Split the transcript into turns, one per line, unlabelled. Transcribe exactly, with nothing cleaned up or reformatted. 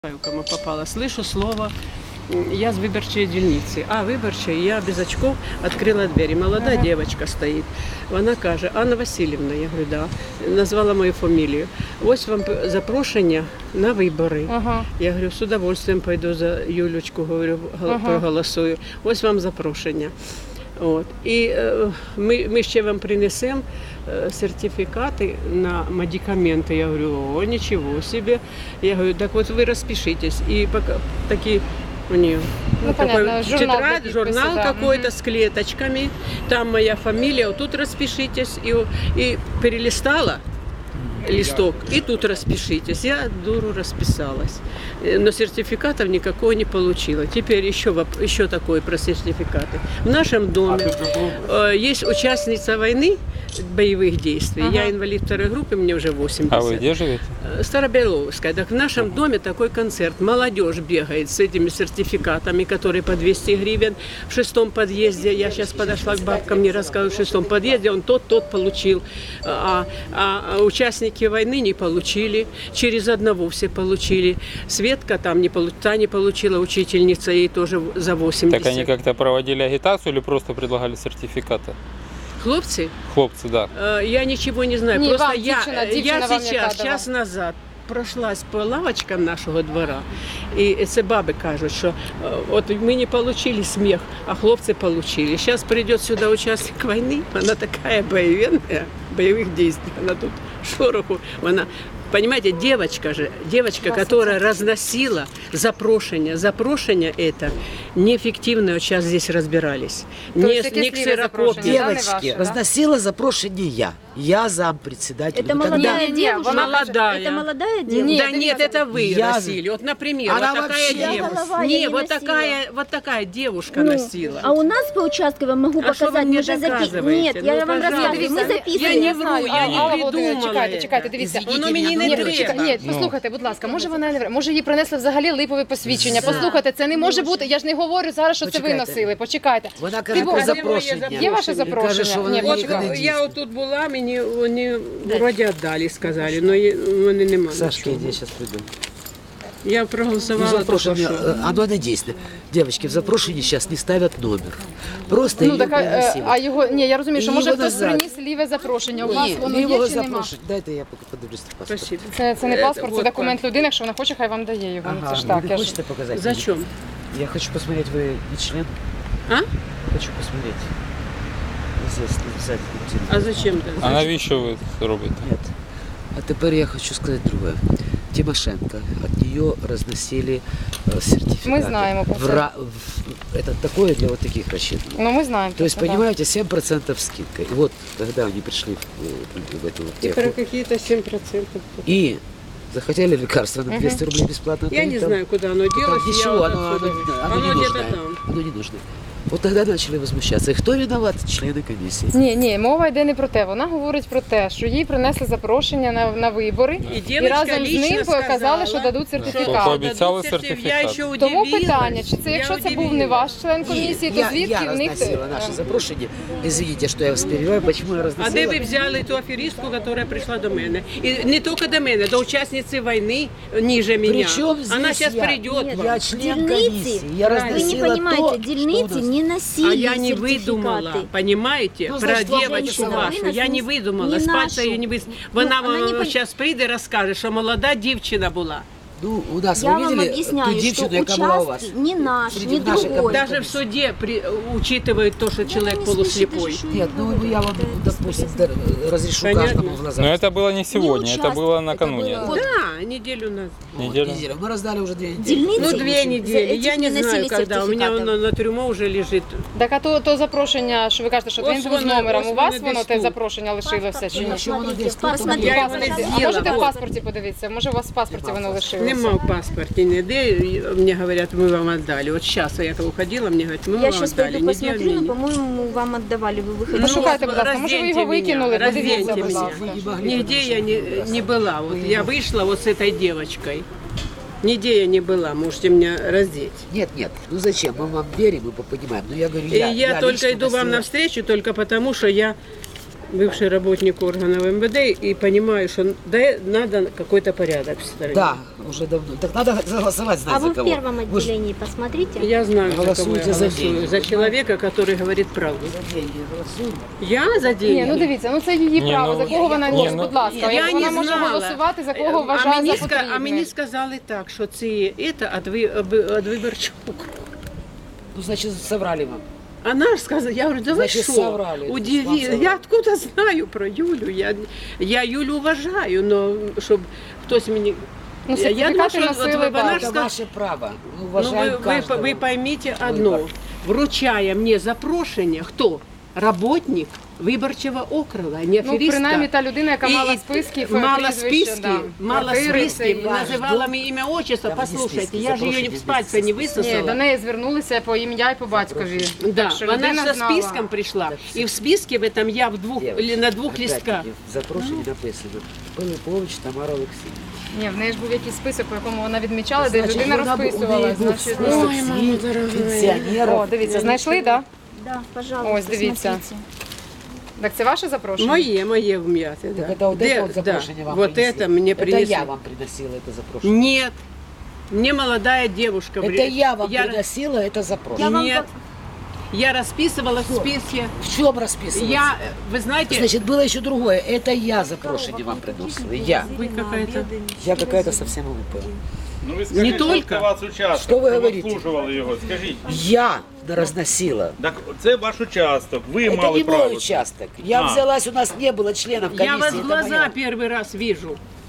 Кому попала. Слышу слово, я с выборчей дільниці. А, виборча, я без очков відкрила двері. Молода ага. Дівчинка стоїть. Вона каже, Анна Васильівна, я говорю, да. Назвала мою фамілію. Ось вам запрошення на вибори. Ага. Я говорю, з удовольствием пойду за Юлечку, говорю, ага. проголосую. Ось вам запрошення. От. І е, ми, ми ще вам принесемо е, сертифікати на медикаменти. Я говорю, о, нічого собі. Я говорю, так от ви розпишитесь. І пока, такі у нее
ну, понятно,
журнал, тетрадь, журнал да. какой-то угу. с клеточками. Там моя фамилия, вот тут распишитесь. И, и перелистала листок, и тут распишитесь. Я дуру расписалась. Но сертификатов никакого не получила. Теперь еще, еще такое про сертификаты. В нашем доме э, есть участница войны, боевых действий. Ага. Я инвалид второй группы, мне уже восемьдесят.
А вы где живете?
Старобеловская. Так в нашем ага. доме такой концерт. Молодежь бегает с этими сертификатами, которые по двести гривен. В шестом подъезде, я сейчас подошла к бабкам, мне рассказывают, в шестом подъезде он тот-тот получил. А, а участники войны не получили. Через одного все получили. Светка там не, та не получила, учительница, ей тоже за восемьдесят.
Так они как-то проводили агитацию или просто предлагали сертификаты?
Хлопцы?
Хлопцы, да.
Я ничего не знаю.
Не,
Просто
вам,
я,
дівчина, дівчина
я
вам
сейчас, час назад прошлась по лавочкам нашого двора, і це баби кажуть, що от ми не получили сміх, а хлопці получили. Зараз прийде сюди учасник війни, вона така бойовенна, бойових дій, вона тут шороху, вона... Понимаете, девочка же, девочка, которая разносила запрошение. Запрошение это неэффективно, вот сейчас здесь разбирались. Не, не ксерокопия.
Девочки, разносила запрошение я. Я зампредседатель.
Это молодая
Тогда...
девушка.
молодая.
Это молодая девушка?
Нет, да нет, это вы
я...
носили. Вот, например,
она
вот такая девушка. Не, вот такая, вот такая девушка ну, носила.
А у нас по участку, я могу
а
показать, мы же записываем. Нет,
ну,
я вам рассказываю, мы записываем.
Я не вру, я не придумала.
Чекайте, чекайте, дивіться.
Воно мені не треба.
Ні, послухайте, будь ласка, може вона не може їй принесли взагалі липове посвідчення. Послухайте, це не може бути. Я ж не говорю зараз, що це ви носили. Почекайте.
Вона каже про запрошення.
Є ваше запрошення?
От я отут була, мені вони вроді віддали, сказали, але вони немає.
Сашка, я зараз прийду.
Я проголосовала.
Ну, запрошение, оно не действует. Девочки, в запрошении сейчас не ставят номер. Просто
ну,
її
так, а, а його, ні, я розумію, що
і
може хтось
назад.
приніс ліве запрошення. У вас
Ні,
воно є
його
чи нема?
запрошення. Дайте я подивлюсь паспорт.
Спасибо.
Це, це не паспорт, це документ людини, якщо вона хоче, хай вам дає його.
Ага,
це ж так.
вы
Я ж...
хочете показать?
Зачем?
Я хочу посмотреть, вы не член?
А?
Хочу посмотреть. Здесь написать.
А зачем ты?
А навіщо ви це робите?
Нет. А теперь я хочу сказать другое. Тимошенко, от нее разносили э, сертификаты.
Мы знаем про
в, ра- в, это такое для вот таких рассчитано.
Ну, мы знаем.
То есть,
это,
понимаете, семь процентов скидка. И вот, когда они пришли в, в эту
Теперь
аптеку,
какие-то семь процентов.
и захотели лекарства на двести рублей бесплатно.
Я не
там,
знаю, куда оно делось.
там ничего,
я
оно,
вот
оно, оно,
оно
не
где-то
нужно.
там.
Оно не нужно. От тогда почали возмущатися. І хто виноват? Члени комісії.
Ні, ні, мова йде не про те. Вона говорить про те, що їй принесли запрошення на, на вибори
і,
і разом з ним показали, що дадуть сертифікат.
Пообіцяли сертифікат.
Тому питання, чи це, якщо це був не ваш член комісії, то
я,
звідки
я
в них...
Я розносила наше запрошення. Извините, що я вас перебиваю, почему я розносила?
А де ви взяли ту аферистку, яка прийшла до мене? І не тільки до мене, до учасниці війни ниже мене.
Причем здесь
Она сейчас
я?
придет.
Нет,
вам.
я член
Дельницы,
комиссии. Я
вы не понимаете, дельницы не носили
А я не выдумала,
сертификаты.
понимаете,
Ну,
про
значит, вам
девочку
женщина,
вашу.
вы нас
Я
не-
не выдумала,
не
с пальца
нашу.
ее не выс...
Ну,
Вона
она не пон-
сейчас прийде, розкаже, що молода дівчина була.
Ну, у нас,
Я
вы
вам
видели ту
объясняю, что
девчину, яка була у вас?
участки не наш,
Среди
не
наших
другой.
команд.
Даже в суде при... учитывают то, что человек
не
полуслепой.
слышите, что
Нет, ну я вам, допустим, да, разрешу
Понятно.
каждому в глаза.
Но это было не сегодня,
Не
это
участвовал,
было
это
накануне.
было-
Да, неделю назад.
Вот,
неделю.
неделю. Мы раздали уже две недели.
Дельницы
Ну, две недели.
этих
Я не
носили
знаю, когда. У меня
сертификатов.
оно на трюмо уже лежит.
Так, а то, то запрошення, що ви кажете, що
Ось
він був з
воно,
номером,
ось
у вас
воно
воно
десь
те
тут.
запрошення лишилося чи ні?
Якщо воно десь тут, то
Посмотрите,
Я його не
пожалуйста.
А можете
з'їла.
в
Вот.
паспорті подивитися? Може у вас в паспорті воно лишилося?
Нема в паспорте ніде. Мне говорят, мы вам отдали. Вот сейчас я уходила, мне говорят, мы
Я
вам
сейчас
отдали.
пойду
Не
посмотрю,
делали.
но, по-моему, вам отдавали, вы выходили.
Ну, шукайте, будь ласка, може ви його
Разденьте
викинули,
меня,
подивіться,
разденьте
будь
меня.
ласка.
Нигде я не, не была. Вот я вышла вот с этой девочкой. Нигде я не была, можете меня раздеть.
Нет, нет, ну зачем? Мы вам верим, мы понимаем. Но я говорю,
И
я,
я, только
лично
иду вам
носила-
навстречу только потому, что я бывший работник органов эм вэ дэ и понимаю, что да, надо какой-то порядок в стране.
Да, уже давно. Так надо голосовать,
А
знать
вы
за
в
кого.
первом
Вы ж
отделении посмотрите.
Я знаю, за кого я
Голосуйте за
голосую.
деньги.
За человека, который говорит правду.
за деньги голосуем.
Я за деньги.
Ні, ну дивіться, ну це її
Ні,
право.
ну,
За кого вона
ні,
ні,
ну,
будь ласка.
Я
Вона
не
може
знала.
голосувати за кого
а
вважає
мені,
за
ска- а
потрібне.
мені сказали так, що це, это від, ви- об- від виборчого округу.
Ну, значит, соврали вам.
Она же сказала, я говорю, да вы
Значит,
что,
соврали. Вам
удиви,
соврали.
я откуда знаю про Юлю, я, я Юлю уважаю, но щоб хтось мені...
Ну,
я, я
сертифікати
думаю, що
носили,
от вона
так.
ж
Это
сказала,
ваше право. Мы
ну,
уважаем
ви, ви,
каждого.
ви поймите одно,
Вибор.
вручая мне запрошення, хто? Работник виборчого округа, не
Ну,
аферистка.
принаймні та людина, яка
І-
мала
і-
списки,
мала
прізвище,
списки,
да,
мала
квартири,
списки,
це-
називала мені ім'я, отчество,
Там є
послушайте,
списки,
я ж її
запрошені
в пальця не
списки.
Ні,
висосала.
до неї звернулися по ім'я і по батькові.
Да,
Так що
вона
людина
со
знала.
списком прийшла. І в списке в этом я в двох,
Девочки,
или на двох
опять-таки,
листках.
В запрошенні написано Пилипович Тамара Олексіївна.
Ні, в неї ж був якийсь список, по якому вона відмічала, де
Значить,
людина
вона бу- у
розписувала.
неї був
Значить,
список
ну,
Ой, мама
всіх
дорогая.
пенсіонерів.
О, дивіться, знайшли, так?
Да, пожалуйста,
Ось, дивіться.
смотрите.
Так це ваше запрошення?
Моє, моє вм'яте, да.
Так это вот
Де-
это вот запрошение
да,
вам
вот
принесли.
это мне
Это
принесли.
я вам приносила это запрошение.
Нет, мне молодая девушка.
Это
при-
я вам
я,
приносила это
Я
запрошение.
вам
Нет, я расписывала в списке.
В чем расписываться?
Я, вы знаете,
Значит, было еще другое. Это я запрошение вам приносила. Я.
вы какая-то...
Я какая-то совсем глупая.
Ну ви скажіть,
Не
що
только.
це ваш участок,
Що ви
що
говорите?
обслужували його, скажіть.
Я разносила.
Так це ваш участок, ви
Это
мали
не
право.
мой участок. Я
А.
взялась, у нас не было членов комиссии.
Я вас в
это
глаза
моя.
первый раз вижу.